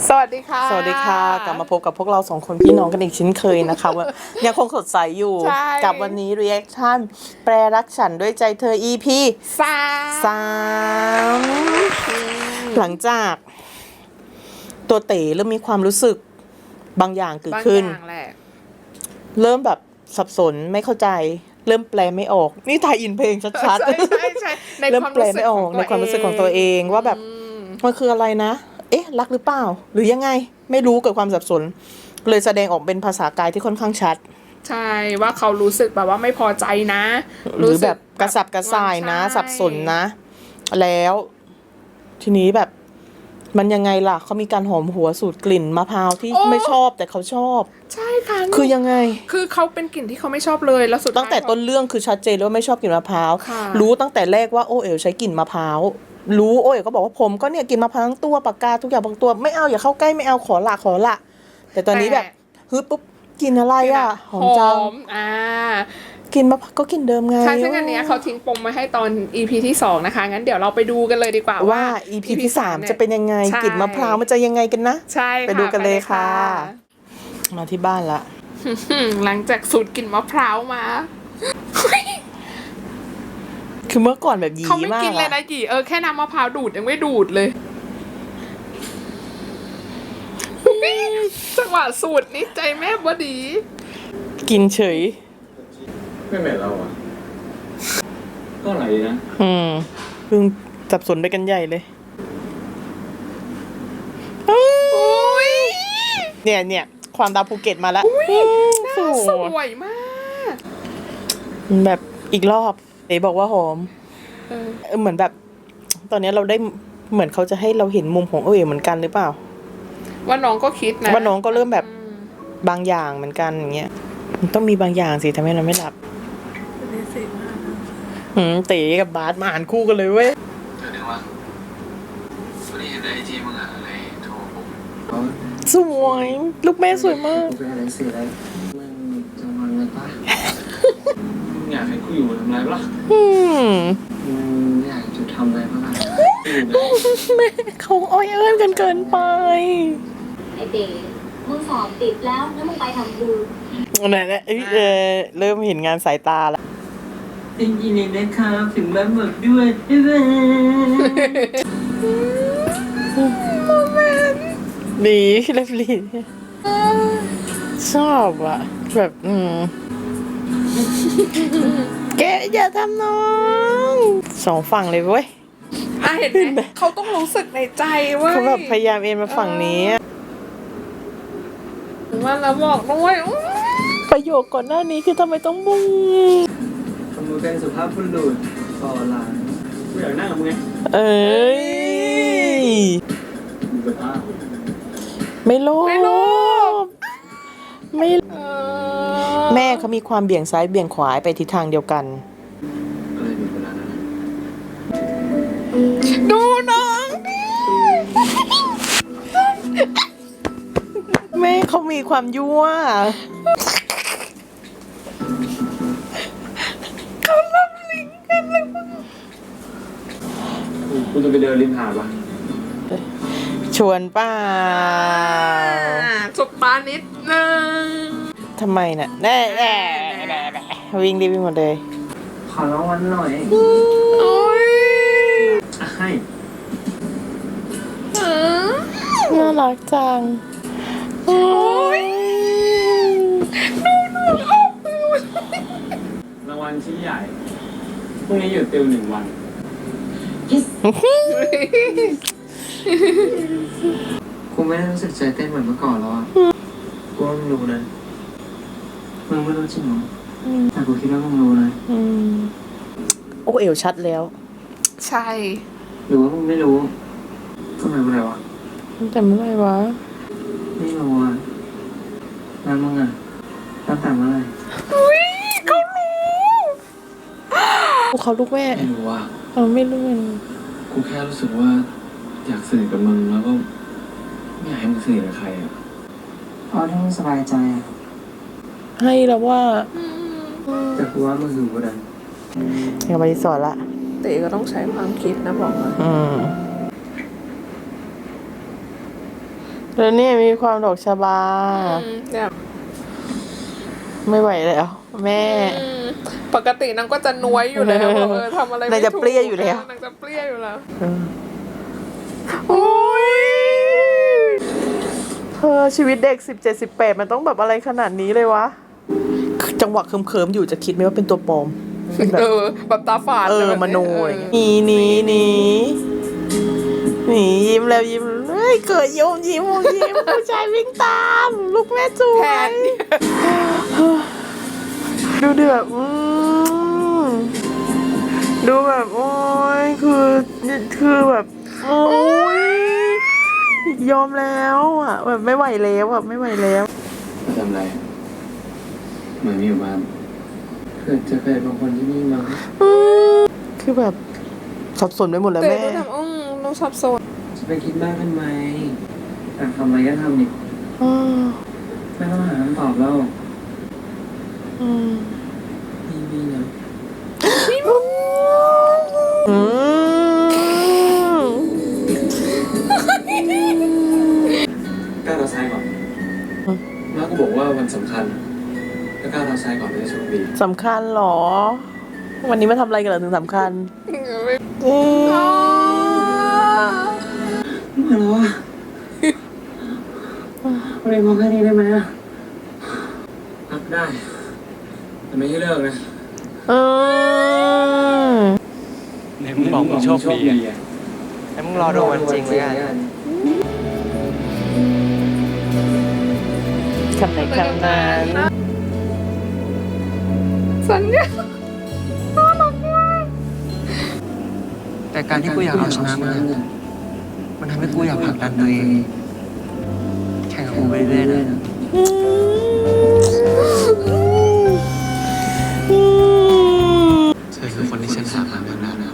สวัสดีค่ะสวัสดีค่ะกลับมาพบกับพวกเราสองคนพี่น้องกันอีกเช่นเคยนะคะว่ายังคงสดใสอยู่ กับวันนี้ reaction แปรรักฉันด้วยใจเธอ EP 3หลังจากตัวเต๋เริ่มมีความรู้สึกบางอย่างเกิดขึ้นเริ่มแบบสับสนไม่เข้าใจเริ่มแปลไม่ออกนี่ถ่ายอินเพลงชัดๆเริ่มแปลไม่ออกในความรู้สึกของตัวเองว่าแบบมันคืออะไรนะเอ๊ะรักหรือเปล่าหรือยังไงไม่รู้เกิดความสับสนเลยแสดงออกเป็นภาษากายที่ค่อนข้างชัดใช่ว่าเขารู้สึกแบบว่าไม่พอใจนะหรือแบบกระสับกระส่ายนะสับสนนะแล้วทีนี้แบบมันยังไงล่ะเขามีการหอมหัวสูตรกลิ่นมะพร้าวที่ไม่ชอบแต่เขาชอบใช่ค่ะคือยังไงคือเขาเป็นกลิ่นที่เขาไม่ชอบเลยแล้วสุดตั้งแต่ต้นเรื่องคือชัดเจนว่าไม่ชอบกลิ่นมะพร้าวรู้ตั้งแต่แรกว่าโอเอ๋วใช้กลิ่นมะพร้าวรู้โอเอ๋วก็บอกว่าผมก็เนี่ยกินมะพร้าวทั้งตัวปากกาทุกอย่างบางตัวไม่เอาอย่าเข้าใกล้ไม่เอาขอละแต่ตอนนี้แบบฮึปุ๊บกินอะไรอ่ะหอมจังกินมะพร้าวก็กินเดิมไงใช่ซึ่งอันเนี้ยเขาทิ้งปมมาให้ตอน EP ที่2นะคะงั้นเดี๋ยวเราไปดูกันเลยดีกว่าว่า EP ที่3จะเป็นยังไงกลิ่นมะพร้าวมันจะยังไงกันนะใช่ไปดูกันเลยค่ะมาที่บ้านละหลังจากสูตรกลิ่นมะพร้าวมาคือเมื่อก่อนแบบยีมากเขาไม่กินเลยนะยีแค่น้ำมะพร้าวดูดยังไม่ดูดเลยจังหวะสูตรนี้ใจแม่บดีกินเฉยไม่เหม็นเราอ่ะก็อร่อยดีนะเพิ่งสับสนไปกันใหญ่เลยเนี่ยความดาวภูเก็ตมาแล้วสวยมากแบบอีกรอบเอ๋บอกว่าหอมเหมือนแบบตอนนี้เราได้เหมือนเขาจะให้เราเห็นมุมของเอ๋เหมือนกันหรือเปล่าว่าน้องก็คิดนะว่าน้องก็เริ่มแบบบางอย่างเหมือนกันอย่างเงี้ยมันต้องมีบางอย่างสิทำให้เราไม่หลับเต๋กับบาสมาอ่านคู่กันเลยเว้ยเดี๋ยวว่าวันนี้เห็นในไอจีมึงอะอะไรโทรผมสวยลูกแม่สวยมากเป็นอะไรสื่ออะไรมึงจะงอนไหมปะมึงอยากให้กูอยู่ทำไรปะมึงอยากจะทำอะไรปะล่ะแม่เขาอ้อยเอิ้นกันเกินไปไอเต๋มึงสอบติดแล้วมึงไปทำบุญไหนเริ่มเห็นงานสายตาแล้วจริงๆนะครับถึงแบบหมดด้วยดีเล็บลิ้นชอบอ่ะแบบแกอย่าทำน้องสองฝั่งเลยเว้ยเห็นไหมเขาต้องรู้สึกในใจว่าเขาแบบพยายามเอ็นมาฝั่งนี้มันแล้วบอกด้วยประโยคก่อนหน้านี้คือทำไมต้องบุ้งทำมือเป็นสุภาพบุรุษต่อหลังกูอยากนั่งกับมึงไงไม่โลภไม่แม่เขามีความเบี่ยงซ้ายเบี่ยงขวาไปทิศทางเดียวกันดูน้องแม่เขามีความยั่วเขาลับลิงกันเลยกูจะไปเดินริมหาดวะชวนป้าจบปานิดนึงทำไมน่ะแน่วิ่งรีบไปหมดเลยขอร้องวันหน่อยให้น่ารักจังรางวัลชิ้นใหญ่พรุ่งนี้หยุดติว1 วันกูไม่ได้รู้สึกใจเต้นเหมือนเมื่อก่อนแล้วอ่ะกูว่ามึงรู้นะมึงไม่รู้จริงหรอแต่กูคิดว่ามึงรู้นะโอ้เอวชัดแล้วใช่หรือว่ามึงไม่รู้ทำไมเมื่อไรวะแต่เมื่อไรวะไม่รู้อ่ะแล้วมึงอ่ะตั้งแต่เมื่อไรเขารู้เขาลูกแม่ไม่รู้อ่ะไม่รู้กูแค่รู้สึกว่าอยากสนิทกับมึงแล้วก็ไม่อยากให้มึงสนิทกับใครอ่ะเอาที่มึงสบายใจให้แล้วว่าแต่กูว่ามึงหึงกูนะยังไม่สอนละเต๋ก็ต้องใช้ความคิดนะบอกว่าแล้วนี่มีความดอกชบาเนี่ยไม่ไหวแล้ว แม่ปกตินางก็จะน้วยอยู่แล้วทำอะไรไม่นางจะถูกเปรี้ยอยู่แล้วนางจะเปรี้ยอยู่แล้วโอ้ยเธอชีวิตเด็ก17-18มันต้องแบบอะไรขนาดนี้เลยวะ จังหวะเคิมๆอยู่จะคิดไหมว่าเป็นตัวปลอมแบบแบบตาฝาดมโนอะไรอย่างเงี้ยหนียิ้มแล้วยิ้มเฮ้ยเกิดยิ้มผู้ชายวิ่งตาม ลูกแม่จู๋แทนดูดิแบบดูแบบโอ้ยคือแบบโอ้ยยอมแล้วอ่ะแบบไม่ไหวแล้วอ่ะไม่ไหวแล้วทำไรเหมือนมีอยู่บ้านเพื่อจะเคยบางคนที่นี่มั้งคือแบบสับสนไปหมดแล้วแต่แม่ดูทำน้องสับสนจะไปคิดมากทำไมอยากทำอะไรก็ทำนี่อืมไม่ต้องหาคำตอบแล้วอืมนี่นะอืมก้าวเท้าซ้ายก่อนมาก็บอกว่าวันสำคัญก็ก้าวเท้าซ้ายก่อนจะได้โชคดีสำคัญเหรอ วันนี้มาทำอะไรกันเหรอถึงสำคัญมาแล้วอ่ะวันนี้พอแค่นี้ได้ไหมอ่ะพักได้แต่ไม่ให้เลิกนะอืมในมึงบอกมึงโชคดีอ่ะแล้วมึงรอดูวันจริงเลยกันคำไหนคำนั้นสัญญาแต่การที่กูอยากเอาชนะมึงอะมันทำให้กูอยากผลักดันตัวเองแข่งกับกูไปเรื่อยๆนะเธอคือคนที่ฉันถามหามานานแล้ว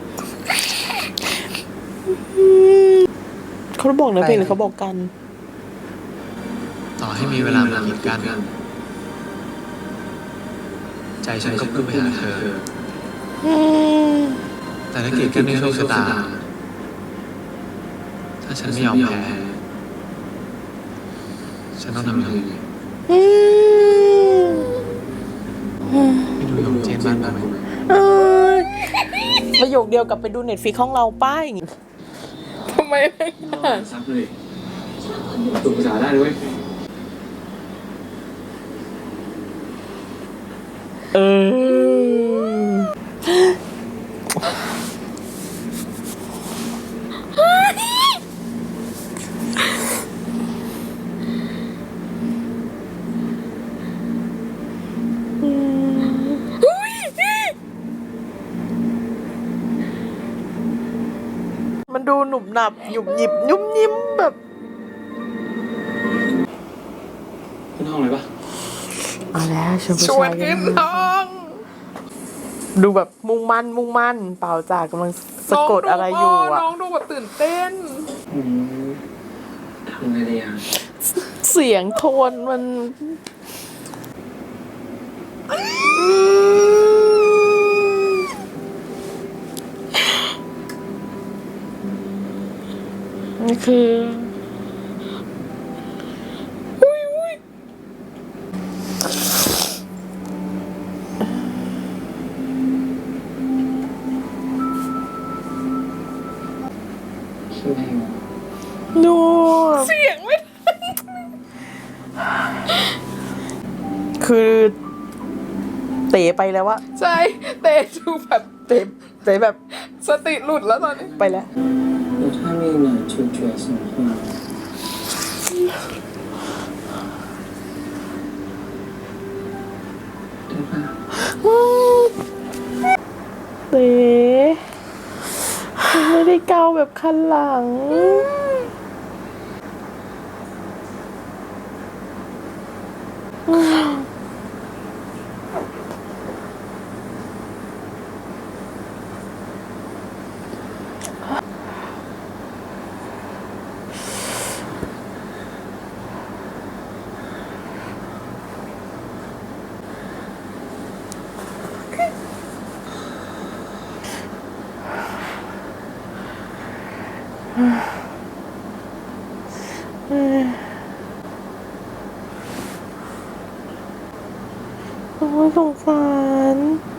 เขาบอกนะเพลงหรือเขาบอกกันต่อให้มีเวลามากีดกันใจฉันก็พุ่งไปหาเธอ แต่ถ้ากีดกันในโชคชะตา ถ้าฉันไม่ยอมแพ้ ฉันต้องทำยังไงไปดูยงเจนบ้านบ้างไหมประโยคเดียวกับไปดูเน็ตฟลิกของเราป้ายทำไมไม่อ่านซับเลยตัวภาษาได้ด้วยเออ มันดูหนุบหนับหยุบหยิบยุ่มยิ้มแบบขึ้นห้องเลยปะเอาแล้วชวนผู้ชวชาน ยขึ้นห้องดูแบบมุ่งมั่นเปล่าจากกำลังสะกดอะไรอยู่อ่ะน้องดูแบบตื่นเต้นทำไงดีอ่ะเสียงโทนมันนี่คือดูเสียงไม่คือเต๋ไปแล้วอะใช่เตะดูแบบเต๋แบบสติหลุดแล้วตอนนี้ไปแล้ว我太累了，求决什么话？对吧？ เต๋ไม่ได้เกาแบบคันหลังโอ้ยสงสาร